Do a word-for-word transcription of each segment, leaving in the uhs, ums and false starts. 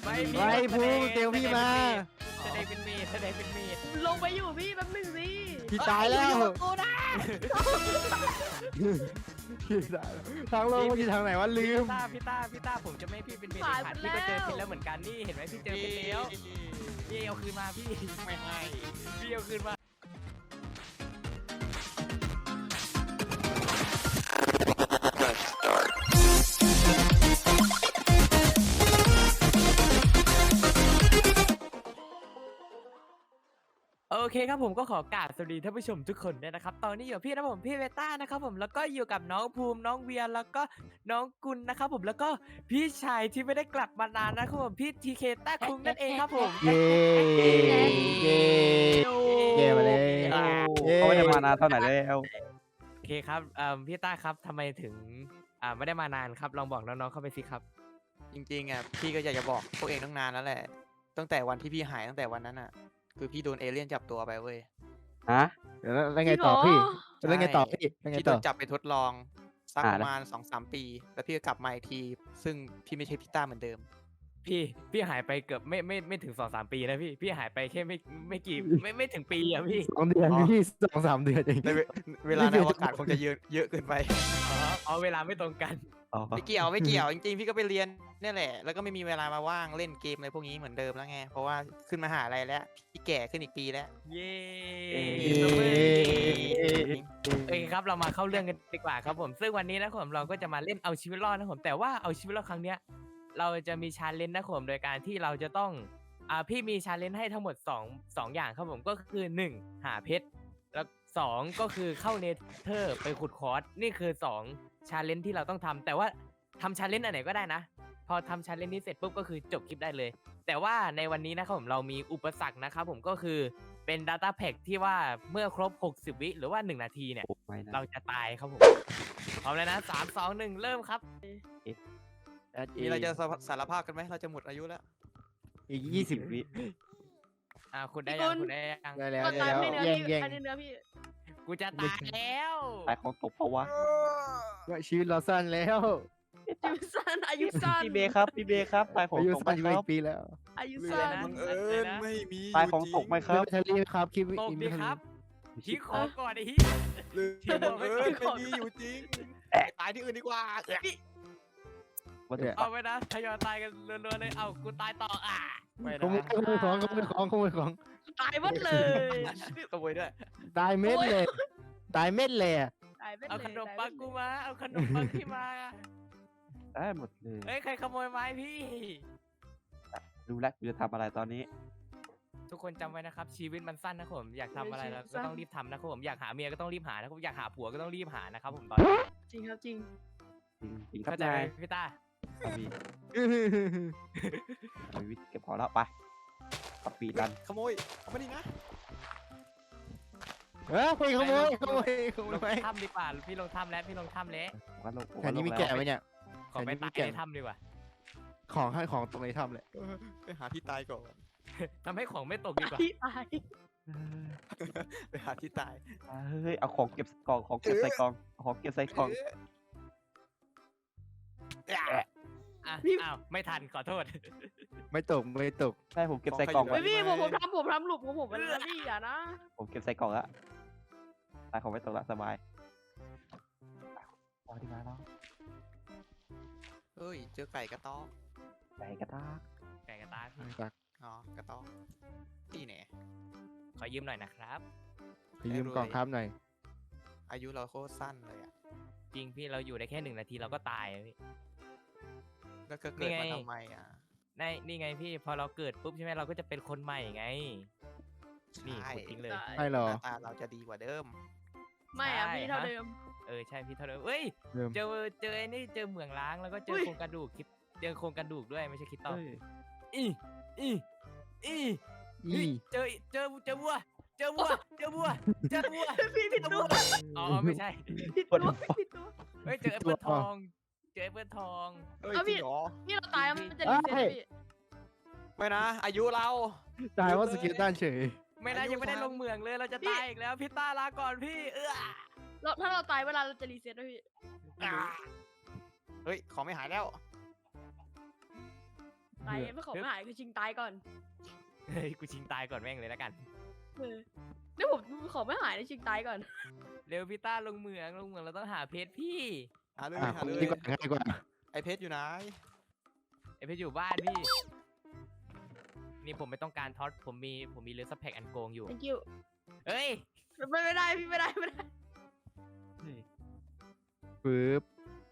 ไม่มีไม่พูดเตียวพี่มาแสดงเป็นเมดแสดงเป็นเมดลงไปอยู่พี่แป๊บนึงสิพี่ตายแล้วกูนะพี่ตายแล้วทางโลกมันอยู่ทางไหนวะลืมพี่ต้าพี่ต้าพี่ต้าผมจะไม่ให้พี่เป็นเมดเด็ดขาดพี่ก็เจอเพชรแล้วเหมือนกันนี่เห็นไหมพี่เจอเพชรแล้วพี่เอาคืนมาพี่ไม่ให้พี่เอาคืนมา โอเคครับผมก็ขอกราบสวัสดีท่านผู้ชมทุกคนด้วยนะครับตอนนี้อยู่กับพี่นะผมพี่เวต้านะครับผมแล้วก็อยู่กับน้องภูมิน้องเวียแล้วก็น้องกุลนะครับผมแล้วก็พี่ชายที่ไม่ได้กลับมานานนะครับผมพี่ทีเคต้าคุงนั่นเองครับผมเย้เย้เย้มาเลยเขาไม่ได้มานานเท่าไหร่แล้วโอเคครับเอ่อพี่ต้าครับทำไมถึงอ่าไม่ได้มานานครับลองบอกน้องๆเข้าไปสิครับจริงๆอ่ะพี่ก็อยากจะบอกพวกเองตั้งนานแล้วแหละตั้งแต่วันที่พี่หายตั้งแต่วันนั้นอ่ะคือพี่โดนเอเลี่ยนจับตัวไปเว้ยฮะแล้วแล้วไงต่อพี่แล้วไงต่อพี่แล้วไงพี่โดต่อนจับไปทดลองสักอ่าประมาณสองสามปี แล้วพี่ก็กลับมาอีกที ซึ่งพี่ไม่ใช่พี่ต้าเหมือนเดิมพี่พี่หายไปเกือบไม่ไม่ไม่ถึงสองสามปีนะพี่พี่หายไปแค่ไม่ไม่กี่ไม่ไม่ถึงปีอะพี่สองเดือนพี่สองสามเดือนเองในเวเวลาในอวกาศคงจะเยอะเยอะเกินไปอ๋อเอาเวลาไม่ตรงกันอ๋อไม่เกี่ยวไม่เกี่ยวจริงๆพี่ก็ไปเรียนเนี่ยแหละแล้วก็ไม่มีเวลามาว่างเล่นเกมอะไรพวกนี้เหมือนเดิมแล้วไงเพราะว่าขึ้นมหาลัยแล้วพี่แก่ขึ้นอีกปีแล้วเย้เย้โอเคครับเรามาเข้าเรื่องกันดีกว่าครับผมซึ่งวันนี้นะครับผมเราก็จะมาเล่นเอาชีวิตรอดนะครับผมแต่ว่าเอาชีวิตรอดครั้งเนี้ยเราจะมีชาเลนจ์นะครับผมโดยการที่เราจะต้องอ่าพี่มีชาเลนจ์ให้ทั้งหมดสองสองอย่างครับผมก็คือหนึ่งหาเพชรแล้วสองก็คือเข้าเนเธอร์ไปขุดคอร์สนี่คือสองชาเลนจ์ที่เราต้องทำแต่ว่าทำชาเลนจ์อันไหนก็ได้นะ พอทำชาเลนจ์นี้เสร็จปุ๊บก็คือจบคลิปได้เลย แต่ว่าในวันนี้นะครับผมเรามีอุปสรรคนะครับผมก็คือเป็น Data Pack ที่ว่าเมื่อครบหกสิบวิหรือว่าหนึ่งนาทีเนี่ยโอ้ไม่นะเราจะตายครับผมพร้อมแล้วนะสามสองหนึ่งเริ่มครับมีอะไรจะสารภาพกันไหมเราจะหมดอายุแล้วอีกยี่สิบวิอ่าคุณได้ยังคุณได้ยังได้แล้วก็ได้ตายแล้วไม่เนื้อแย่งพี่แย่งอันนี้เนื้อพี่กูจะตายแล้วตายของตกเพราะว่าว่าชีวิตเราสั้นแล้วอายุสั้นอายุสั้นพี่เบครับพี่เบครับตายของอายุตกไหมสั้นอยู่คอีรับกปีแล้วอายุเลสั้ยนนะบังเอิญไม่มีตายของตกไหมครับไม่ทะเลครับคิดตกอีกดิไม่ทะคเลรับฮิคอก่อนไอ้ฮิหรือบังเอิญไม่มีอยู่จริงไปตายที่อื่นดีกว่าว่าจะเอาไปนะทยอยตายกันรัวๆเลยเอากูตายต่ออ่ะไม่ขโมยนะขโมยของขโมยของขโมยของตายหมดเลยขโมยด้วยตายเม็ดเลยตายเม็ดเลยอะตายไปเลยเอาขนมปังกูมาเอาขนมปังที่มาได้หมดเลยเฮ้ยใครขโมยไม้พี่รู้แล้วกูจะทำอะไรตอนนี้ทุกคนจำไว้นะครับชีวิตมันสั้นนะครับผมอยากทำอะไรเราก็ต้องรีบทำนะครับผมอยากหาเมียก็ต้องรีบหานะครับอยากหาผัวก็ต้องรีบหานะครับผมตอนนี้จริงครับจริงจริงจริงครับเข้าใจนาไหมยพี่ตาครับพี่เอาวิทย์เก็บพอแล้วไปปับปีดันขโมยเอามาดินะเฮ้ยขโมยขโมยขโมลยงไปถ้ำดีกว่าพี่ลงถ้ำแล้วพี่ลงถ้ำแล้วผมก็ลงผมแถก็วลนี้งมีแล้วแกะไหมเนี่ยขอไปแถวนี้ตายมีแกะในถ้ำดีกว่าของให้ของตรงในถ้ำเลยไปหาที่ตายก่อนทำให้ของไม่ตกดีกว่าพี่ตายไปหาที่ตายเฮ้ยเอาของเก็บกล่องของเก็บใส่กล่องเอาของเก็บใส่กล่องอ่ะอ้าวไม่ทันขอโทษไม่ตกไม่ตกใช่ผมเก็บใส่กล่องของใครไว้อยู่ไม่พี่ผมผมทำผมทำหลุมของผมไปแล้วพี่อย่านะผมเก็บใส่กล่องแล้วตายของไม่ตกละสบายพอดีมาแล้วเฮ้ยเจอไก่กระต๊อกไก่กระตากไก่กระตากพี่ตักอ๋อกระต๊อกที่ไหนขอยืมหน่อยนะครับไปยืมกล่องครับหน่อยอายุเราโคตรสั้นเลยอ่ะจริงพี่เราอยู่ได้แค่หนึ่งนาทีเราก็ตายอะพี่แล้วก็เกิดมานี่ไงทำไมอ่ะในนี่ไงพี่พอเราเกิดปุ๊บใช่ไหมเราก็จะเป็นคนใหม่ไง นี่ใช่พูดจริงเลยใช่เหรอหน้าตาเราจะดีกว่าเดิมไม่อะใช่พี่เท่าฮะเดิมเออใช่พี่เท่าเดิมเอ้ยเริ่มเจอเจอไอ้นี่เจอเหมืองล้างแล้วก็เจออุ้ยโครงกระดูกคลิปเจอโครงกระดูกด้วยไม่ใช่คริสตัลเฮ้ยอีอีอีอีเฮ้ยเจอเจอเจอวัวเจอวัวเจอวัวเจอวัวพี่ผิดเจอตัวัววอ๋อไม่ใช่ผิดตัวผิดตัวเฮ้ยเจอแอปเปิลทองเจอแอปเปิลทองเอ้ยเอาจพี่ริงเหรอพี่เราตายมันจะรีเซ็ตพี่ไม่นะ อายุเราตายว่าสกิลตันเฉยไม่นะอายุยังไม่ได้ทางลงเหมืองเลยเราจะตายอีกแล้วพี่ต้าลาก่อนพี่เออแล้วถ้าเราตายเวลาเราจะรีเซ็ตด้วยพี่เฮ้ย ของไม่หายแล้วตายไม่ขอไม่หายคือชิงตายก่อนเฮ้ยกูชิงตายก่อนแม่งเลยแล้วกันเออนี่ผมขอไม่หายนะชิงตายก่อนเร็วพี่ต้าลงเหมืองลงเหมืองเราต้องหาเพชรพี่หาเลยอ่ะหาเลยดีกว่าง่ายกว่าไอเพชรอยู่ไหนไอเพชรอยู่บ้านพี่ นี่ผมไม่ต้องการท็อตผมมีผมมีเรือสแพ็กอันโกงอยู่ thank you เฮ้ยไม่ไม่ได้พี่ไม่ได้ไม่ได้ปึ๊บ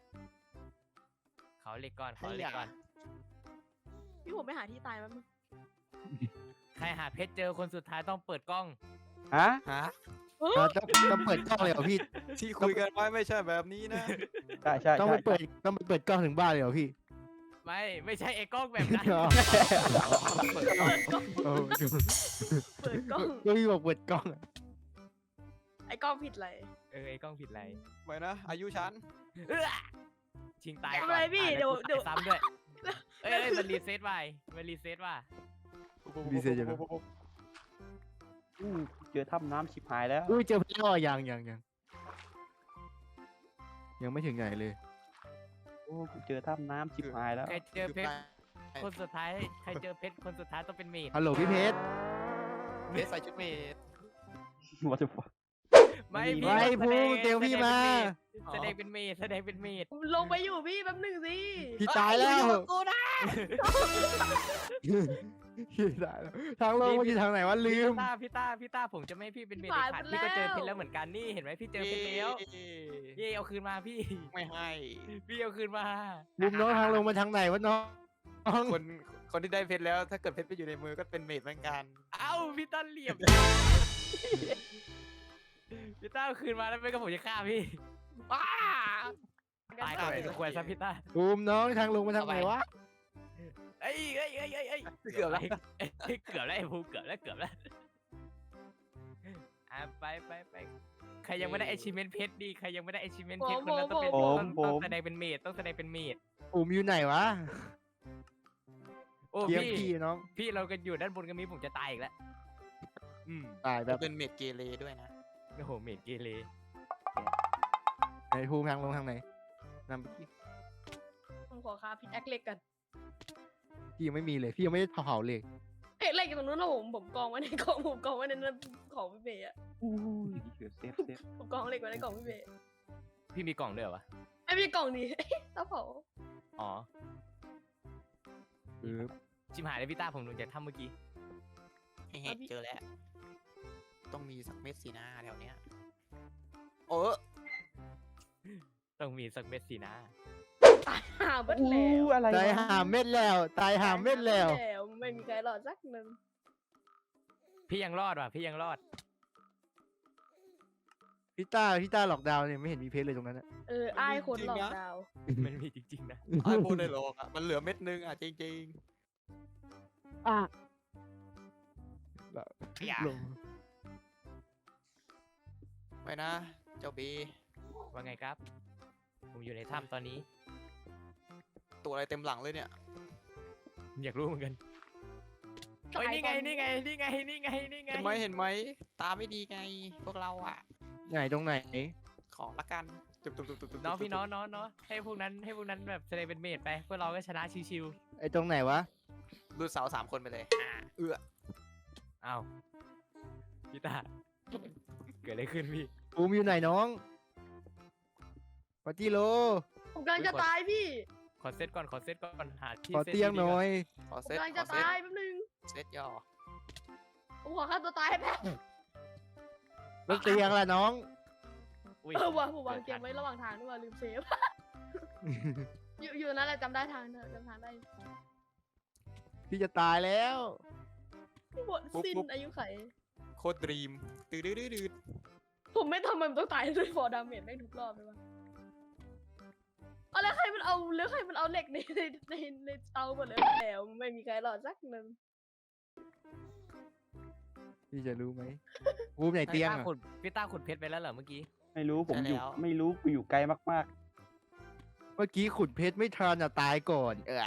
เขาเหล็กก่อนเขาเหล็กก่อนพี่ผมไปหาที่ตายมันงใครหาเพชรเจอคนสุดท้ายต้องเปิดกล้องฮะฮะอ่ะต้องต้องเปิดกล้องเลยเหรอพี่ที่คุยกันไว้ไม่ใช่แบบนี้นะใช่ใช่ต้องใช่ไปเปิดต้องไปเปิดกล้องถึงบ้านเลยเหรอพี่ไม่ไม่ใช่ไอ้กล้องแบบนั้นอ๋อเปิดกล้องโอ้ดูเปิดกล้องก็พี่บอกเปิดกล้องอะไอ้กล้องผิดเลยเออไอ้กล้องผิดอะไรไม่นะ อายุฉันเอื้อชิงตายก่อนไม่เป็นไรพี่อ่ะเดี๋ยวกูเดี๋ยวตาซ้ำด้วยเอ้ยเอ้ยมันรีเซ็ตไปมันรีเซ็ตว่ะดีเซลอยู่นะอู้เจอถ้ำน้ำชิบหายแล้วอุ้ยเจอพี่อ้อยังยังยังยังไม่ถึงไหนเลยโอ้กูเจอถ้ำน้ำชิบหายแล้วใครเจอเพชรคนสุดท้ายใครเจอเพชรคนสุดท้ายต้องเป็นเมดฮัลโหลพี่เพชรเพชรใส่ชุดเมด What the fuck ไม่ไม่พี่พูดเดี๋ยวพี่มาแสดงเป็นเมดแสดงเป็นเมดลงไปอยู่พี่แป๊บหนึงสิพี่ตายแล้วกูนะพี่ตายแล้วทางลงมันอยู่ทางไหนวะลืมพี่ต้าพี่ต้าพี่ต้าผมจะไม่ให้พี่เป็นเมดเด็ดขาดพี่ก็เจอเพชรแล้วเหมือนกันนี่เห็นไหมพี่เจอเพชรแล้วเย่เอาคืนมาพี่ไม่ให้พี่เอาคืนมาลุมน้องทางลงมาทางไหนวะน้องคนคนที่ได้เพชรแล้ว ถ้าเกิดเพชรไปอยู่ในมือก็เป็นเมดเหมือนกันเอ้าพี่ต้าเหลี่ยมพี่ต้าเอาคืนมาแล้วไม่ก็ผมจะฆ่าพี่อ้าตายก่อนสมควรซะพี่ต้าลุมน้องทางลงมาทางไหนวะเอ้ยเอ้ยเอ้ยเอ้ยเอ้ยเกือบแล้วเอ้ยเกือบแล้วไอ้ภูเกือบแล้วเกือบแล้วอ่ะไปไปไปใครยังไม่ได้ achievement เพชรดีใครยังไม่ได้ achievement เพชรคนนั้นต้องเป็นผมต้องผมต้องแสดงเป็นเมดต้องแสดงเป็นเมดอุมอยู่ไหนวะโอ้เทียมพี่พี่น้องพี่เรากันอยู่ด้านบนกันมีผมจะตายอีกแล้วอืมตายแบจะบเป็นเมดเกเรด้วยนะโอ้โหเมดเกเรไหนภูมิทางลงทางไหนนำไปที่ผมขอคาพิษแอคเล็กกันพี่ยังไม่มีเลยพี่ยังไม่ได้เผาเลยเอ๊ะเล็กอยู่ตรงนู้นนะผมผมกองไว้ในกล่องผมกองไว้ในนั้นของพี่เบย์อะอู้ยเกือบเซฟเซฟผมกองเหล็กไว้ในกล่องพี่เบย์พี่มีกล่องด้วยเหรอวะไอ้พี่กล่องนี้ เต้าเผาอ๋อปึ๊บชิมหายเลยพี่ต้าผมลงจากถ้ำเมื่อกี้เฮ้เจอแล้ว ต้องมีสักเม็ดสีหน้าแถวเนี้ยโอ้ต้องมีสักเม็ดสินะตายหาเบิดอู้แล้วอะไรตายวะหาเม็ดแล้ว ตายหาเม็ดแล้วไม่มีใครรอดสักหนึ่งพี่ยังรอดว่ะพี่ยังรอดพี่ต้าพี่ต้าหลอกดาวน์เนี่ยไม่เห็นมีเพชรเลยตรงนั้นอะเออไอ้ายคนหลอกดาวมันมีจริงๆนะไอ้พูดได้หรอกอ่ะ มันเหลือเม็ดนึงอ่ะ จริงอ่ะอย่าลงๆ ไปนะ เจ้าบีว่าไงครับ ผมอยู่ในถ้ำตอนนี้ตัวอะไรเต็มหลังเลยเนี่ยอยากรู้เหมือนกันเฮ้ยนี่ไงนี่ไงนี่ไงนี่ไงนี่ไงเห็นไหมเห็นไหม ตาไม่ดีไง พวกเราอ่ะไหนตรงไหนขอละกันจุบจุบจุบจุบจุบน้องพี่น้องน้องน้องให้พวกนั้นให้พวกนั้นแบบแสดงเป็นเมดไปพวกเราก็ชนะชิวไอ้ตรงไหนวะดูดเสาสามคนไปเลยอ่าเอื้อๆอ้าวพี่ตาเกิดอะไรขึ้นพี่ภูมิอยู่ไหนน้องปาร์ตี้โลผมกำลังจะตายพี่ขอเซตก่อนขอเซตก่อนหาที่ขอซตเตียงดีๆหน่ก่อยขอผมเซตกำลังขจะอเซตตายแป๊บนึงเซตย่อผมขอฆ่าตัวตายให้แป๊บแล้วเตียงล่ะน้องอุ้ยเออว่ะผมวางเกมไว้ระหว่างทางด้วยว่ะลืมเซฟ อยู่อยู่นั่นแหละจำได้ทางเธอจำทางได้พี่จะตายแล้วหมดสิ้นอายุไขโคตรดรีมตื้อดื้อดื้อดื้อผมไม่ทำมันต้องตายด้วยฟอร์ดาเมจแม่งทุกรอบเลยวะเอาแล้วใครมันเอาแล้วใครมันเอาเหล็กในในในในเตาหมดเลยแล้วไม่มีใครรอดสักหนึ่งพี่จะรู้ไหมภูมิไหนเตียงพี่ต้าอะขุดพี่ต้าขุดเพชรไปแล้วเหรอเมื่อกี้ไม่รู้ผมอยู่ไม่รู้กูอยู่ไกลมากเมื่อกี้ขุดเพชรไม่ทันอะตายก่อน เออ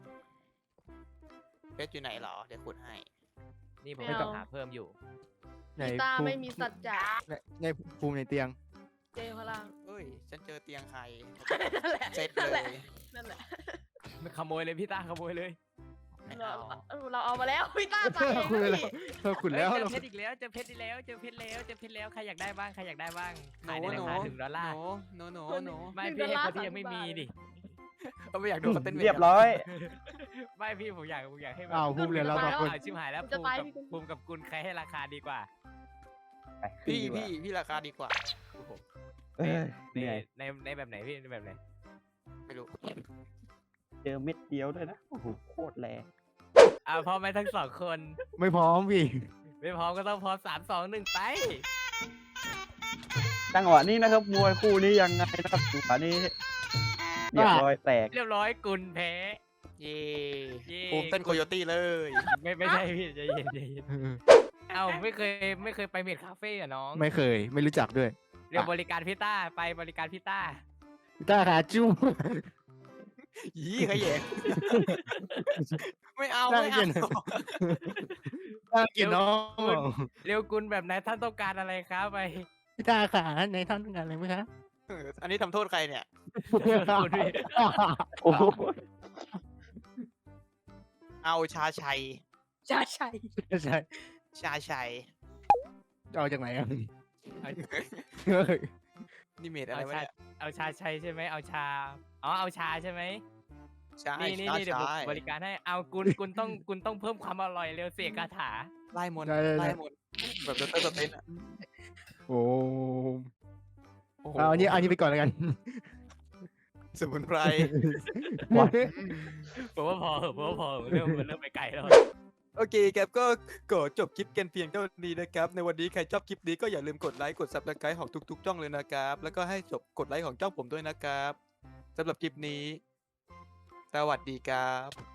เพชรอยู่ไหนเหรอ เดี๋ยวขุดให้นี่ผมก็หาเพิ่มอยู่ไหนพี่ตาภูไม่มีสัจจะในในภูมิในเตียงเจอข้างล่างเอ้ย ฉันเจอเตียงใครนั่นแหละเซตนั่นเลแหละยนั่นแหละขโมยเลยพี่ต้าขโมยเลยผเราเอาเราเอามาแล้วพี่ต้าตายเองคุยแล้วพี่เราขุดเฮ้ยแล้วเจอเพชรอีกแล้วเจอเพชรอีกแล้วเจอเพชรแล้วเจอเพชรแล้วใครอยากได้บ้างใครอยากได้บ้างหขายนูในหรานูคาถึงดอลลาร์หนูหนูหนูไม่พี่ให้คนที่ยังไม่มีดิก็ไม่อยากดูเขาเต้นเรียบร้อยไม่พี่ผมอยากผมอยากให้แบบอ้าวภูมิเหลือเราสองคนเอาชิบหายแล้วผมภูจะมิตายกับพี่ภูมิกับกุลใครให้ราคาดีกว่าไปขึ้นพี่ดีกว่าพี่พี่ราคาดีกว่าเอ้ยในเหนื่อยในในแบบไหนพี่ในแบบไหนไม่รู้เจอเม็ดเดียวด้วยนะโอ้โหโคตรแรงอ่าพร้อมไหมทั้งสองคนไม่พร้อมพี่ไม่พร้อมก็ต้องพร้อมสามสองหนึ่งไปจังหวะนี้นะครับมวยคู่นี้ยังไงนะครับจังหวะนี้เรียบร้อยแตกเรียบร้อยกุลแพ้เย่เย่ภูมิเต้นโคโยตี้เลยไม่ไม่ใช่พี่ใจเย็นใจเย็นเอ้าไม่เคยไม่เคยไปเมดคาเฟ่อะน้องไม่เคย ไม่รู้จักด้วยเรียกบริการพี่ต้าไปบริการพี่ต้าพี่ต้าขาจุ้มยี่ขยแยงไม่เอาน่าไม่เกลีเอายด น่าเกลียดน้องเรียวกุลแบบไหนท่านต้องการอะไรครับไปพี่ต้าขาในท่านต้องการอะไรไหมคะเอออันนี้ทำโทษใครเนี่ยคุณพี่โอ้โหเอาชาชัยใช่ใช่ใช่ชาชัยจะเอาจากไหนอ่ะนี่เมดอะไรเอาวะชาเนี่ยเอาชาชัยใช่ไหมเอาชาอ๋อเอาชาใช่ไหมใช่นี่นี่ชานี่เดี๋ยวผมชัยบริการให้เอากุลกุลต้องกุลต้องเพิ่มความอร่อยเร็วเสียคาถาไล่มนต์ได้ได้ได้ไล่มนต์แบบเดนเตอร์สเตนอะโอ้โอ้โหเอาอันนี้อันนี้ไปก่อนแล้วกันสมุนไพรผมว่าพอเหอะผมว่าพอเหอะเริ่มมันเริ่มไปไกลแล้วโอเคครับก็ก็จบคลิปกันเพียงเท่านี้นะครับ ในวันนี้ใครชอบคลิปนี้ก็อย่าลืมกดไลค์กด ซับสไครบ์ของทุกๆช่องเลยนะครับ แล้วก็ให้จบกดไลค์ของช่องผมด้วยนะครับสำหรับคลิปนี้ สวัสดีครับ